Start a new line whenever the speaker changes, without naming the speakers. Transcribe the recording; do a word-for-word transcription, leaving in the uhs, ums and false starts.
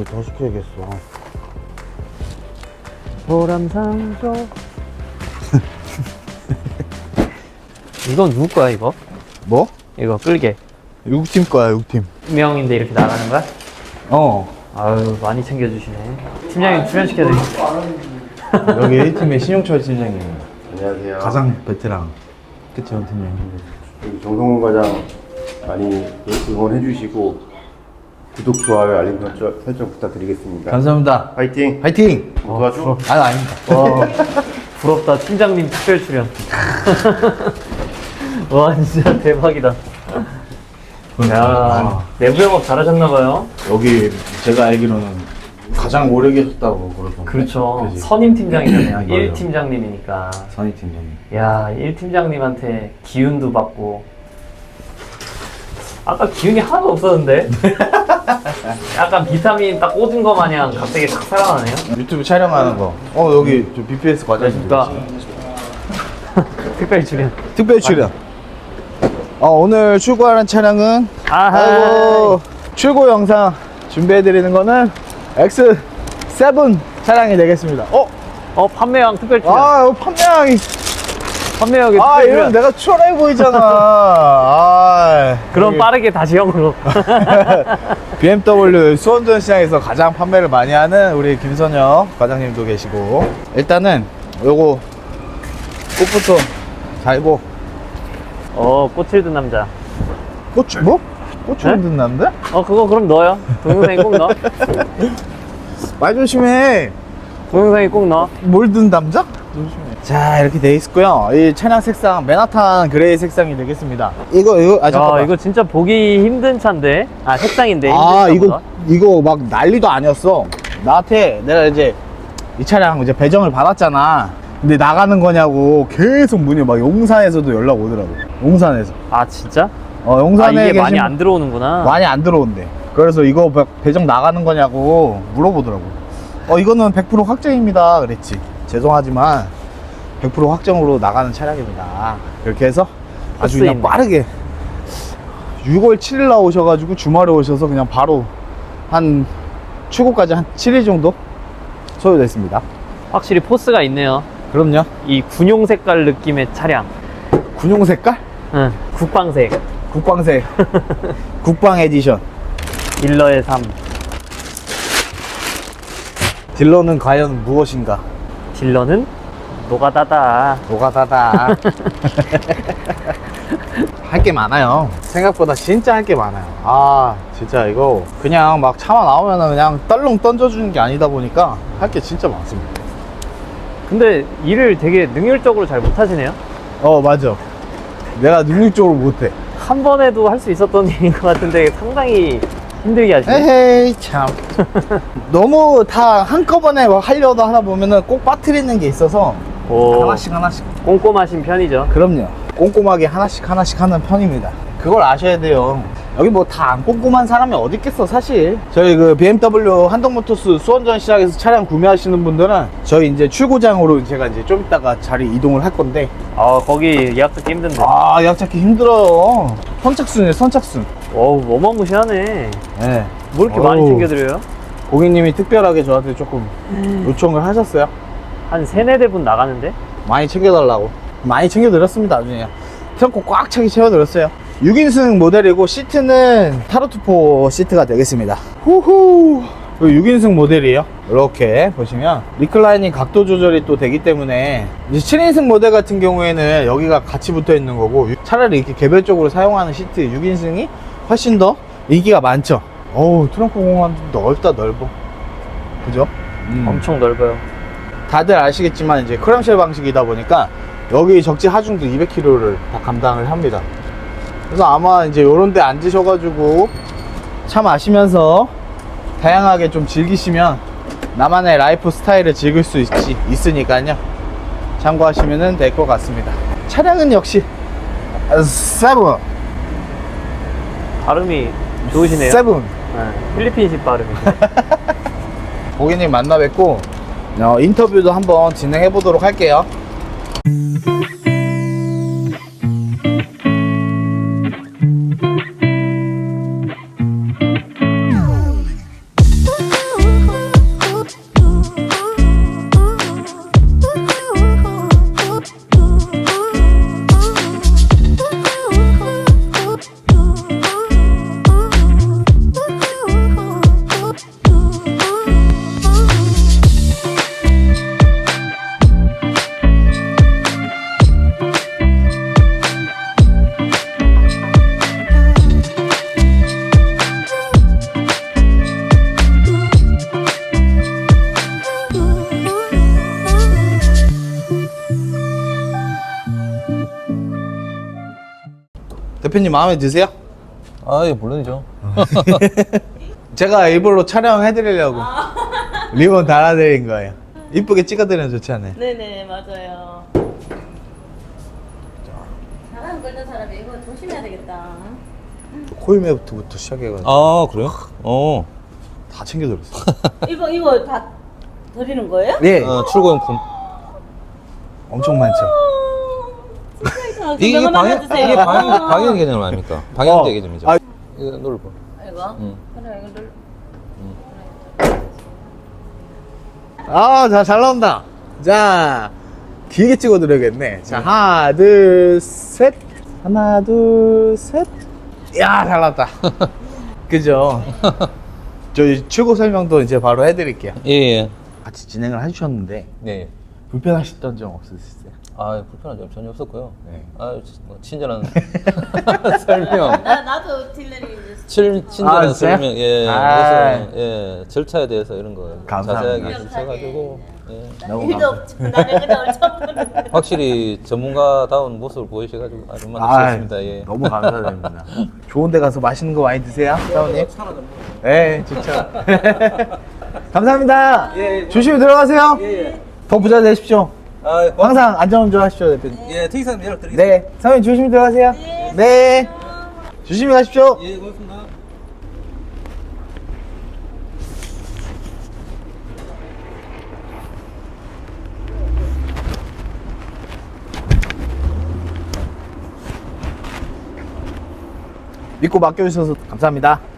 이거 더 시켜야겠어.
보람상조. 이건 누구 거야 이거?
뭐?
이거 끌게.
육 팀 거야, 육 팀.
명인데 이렇게 나가는 거야?
어.
아유 많이 챙겨주시네. 팀장님 출연시켜드릴게요.
여기 일 팀의 신용철 팀장님.
안녕하세요.
가장 베테랑. 그치, 원 팀장님.
우리 정성훈 과장 많이 응원해 주시고 구독, 좋아요, 알림 설정, 설정 부탁드리겠습니다.
감사합니다.
파이팅!
화이팅!
도와줘.
아, 아닙니다.
와 부럽다. 팀장님 특별 출연. 와 진짜 대박이다. 야
아,
내부 영업 잘하셨나봐요.
여기 제가 알기로는 가장 오래 계셨다고 그러던데.
그렇죠.
그치?
선임 팀장이잖아요.
맞아요.
일 팀장님이니까.
선희 팀장님.
야, 일 팀장님한테 기운도 받고. 아까 기운이 하나도 없었는데? 약간 비타민 딱 꽂은 거 마냥 갑자기 탁 살아나네요?
유튜브 촬영하는 거. 어, 여기 저 비피에스 과장님.
그러니까 특별 출연.
특별 출연. 어, 오늘 출고하는 차량은
아하.
아이고, 출고 영상 준비해드리는 거는 엑스 세븐 차량이 되겠습니다. 어?
어, 판매왕 특별 출연.
아, 이거 판매량이.
판매왕의
아,
특별
이러면
출연.
내가 추월해 보이잖아. 아,
그럼
여기
빠르게 다시 형으로.
비엠더블유 수원전 시장에서 가장 판매를 많이 하는 우리 김선혁 과장님도 계시고, 일단은 요거 꽃부터 달고.
어, 꽃을 든 남자.
꽃, 뭐? 꽃
네?
좀 듣는데?
어, 그거 그럼 넣어요. 동영상에 꼭 넣어.
말 조심해.
동영상에 꼭 넣어.
뭘 든 남자? 자, 이렇게 돼 있고요. 이 차량 색상 맨하탄 그레이 색상이 되겠습니다. 이거 이거 아
야,
잠깐만.
이거 진짜 보기 힘든 차인데. 아, 색상인데.
아,
힘든
이거
차보다.
이거 막 난리도 아니었어. 나한테 내가 이제 이 차량 이제 배정을 받았잖아. 근데 나가는 거냐고 계속 문의 막 용산에서도 연락 오더라고. 용산에서.
아, 진짜?
어,
아,
용산에
이게 많이
계신
안 들어오는구나.
많이 안 들어온대. 그래서 이거 배- 배정 나가는 거냐고 물어보더라고. 어, 이거는 백 퍼센트 확정입니다. 그랬지. 죄송하지만 백 퍼센트 확정으로 나가는 차량입니다. 이렇게 해서 아주 그냥
있네.
빠르게 유월 칠일 날 오셔가지고 주말에 오셔서 그냥 바로 한 출고까지 한 칠 일 정도 소요됐습니다.
확실히 포스가 있네요.
그럼요.
이 군용 색깔 느낌의 차량.
군용 색깔?
응. 국방색.
국방색. 국방 에디션.
딜러의 삶.
딜러는 과연 무엇인가?
딜러는 노가다다.
노가다다. 할 게 많아요. 생각보다 진짜 할 게 많아요. 아, 진짜 이거 그냥 막 차만 나오면은 그냥 떨렁 던져주는 게 아니다 보니까 할 게 진짜 많습니다.
근데 일을 되게 능률적으로 잘 못하시네요.
어, 맞아. 내가 능력적으로 못해.
한 번에도 할 수 있었던 일인 것 같은데 상당히 힘들게 하시네.
에헤이, 참. 너무 다 한꺼번에 막 하려다 하다 보면은 꼭 빠뜨리는 게 있어서
오,
하나씩 하나씩.
꼼꼼하신 편이죠.
그럼요. 꼼꼼하게 하나씩 하나씩 하는 편입니다. 그걸 아셔야 돼요. 여기 뭐 다 안 꼼꼼한 사람이 어디 있겠어, 사실. 저희 그 비엠더블유 한동모터스 수원전 시장에서 차량 구매하시는 분들은 저희 이제 출고장으로 제가 이제 좀 이따가 자리 이동을 할 건데,
아, 거기 예약 듣기 힘든데.
아, 예약 잡기 힘들어요. 선착순이에요, 선착순.
어우, 어마무시하네.
네.
뭐 이렇게 많이
어우,
챙겨드려요?
고객님이 특별하게 저한테 조금 요청을 하셨어요.
한 세네 대분 나가는데?
많이 챙겨달라고. 많이 챙겨드렸습니다, 나중에. 트렁크 꽉 차게 채워드렸어요. 육 인승 모델이고 시트는 타로투포 시트가 되겠습니다. 후후. 육 인승 모델이에요. 이렇게 보시면 리클라이닝 각도 조절이 또 되기 때문에 이제 칠 인승 모델 같은 경우에는 여기가 같이 붙어 있는 거고, 차라리 이렇게 개별적으로 사용하는 시트 육 인승이 훨씬 더 인기가 많죠. 어우, 트렁크 공간 좀 넓다, 넓어. 그죠? 음.
엄청 넓어요.
다들 아시겠지만 이제 크럼쉘 방식이다 보니까 여기 적지 하중도 이백 킬로미터를 다 감당을 합니다. 그래서 아마 이제 요런 데 앉으셔가지고 차 마시면서 다양하게 좀 즐기시면 나만의 라이프 스타일을 즐길 수 있지, 있으니까요. 참고하시면 될 것 같습니다. 차량은 역시 세븐.
발음이 좋으시네요.
세븐.
네, 필리핀식 발음이죠.
고객님 만나 뵙고 어, 인터뷰도 한번 진행해 보도록 할게요. 대표님 마음에 드세요?
아, 예, 물론이죠.
제가 일부러 촬영해드리려고 리본 달아드린 거예요. 이쁘게 찍어드리면 좋지 않아요?
네네 맞아요. 사람 걸린 사람이 이거 조심해야 되겠다.
코일매부터 시작해가지고
아, 그래요? 어.
다 챙겨들었어요.
이거 이거 다 드리는 거예요?
네,
어, 출고용품.
엄청 많죠.
진짜
이게
이거
방역,
주세요.
이게 방역, 방역 개념 아닙니까? 방역제
어.
개념이죠.
아.
이거 눌러봐.
이거?
응.
그래 이거 눌.
아, 자, 잘 나온다. 자, 길게 찍어드려야겠네. 자, 하나, 둘, 셋. 하나, 둘, 셋. 야, 잘 나왔다. 그죠? 저희 출고 설명도 이제 바로 해드릴게요.
예, 예.
같이 진행을 해주셨는데,
네.
불편하셨던 점 없으셨어요?
아, 불편한 점 전혀 없었고요.
네.
아, 치- 뭐 친절한 설명.
나 나도 딜러리 이제
칠, 친절한
아, 진짜요?
설명. 예.
아.
그래서 예, 절차에 대해서 이런 거
감사합니다.
자세하게 해주셔가지고 예.
너무
일도 없죠. 나는 그냥 처음 보는데.
확실히 전문가다운 모습을 보이셔가지고 아주
아,
만족스럽습니다. 예.
너무 감사드립니다. 좋은 데 가서 맛있는 거 많이 드세요, 사원님. 네, 좋죠. 감사합니다. 조심히 들어가세요. 더 부자 되십시오.
아,
항상 안전운전 하십시오, 대표님.
예, 특이사항 연락드리겠습니다.
네, 사원님 조심히 들어가세요. 네. 조심히 가십시오.
예, 고맙습니다.
믿고 맡겨주셔서 감사합니다.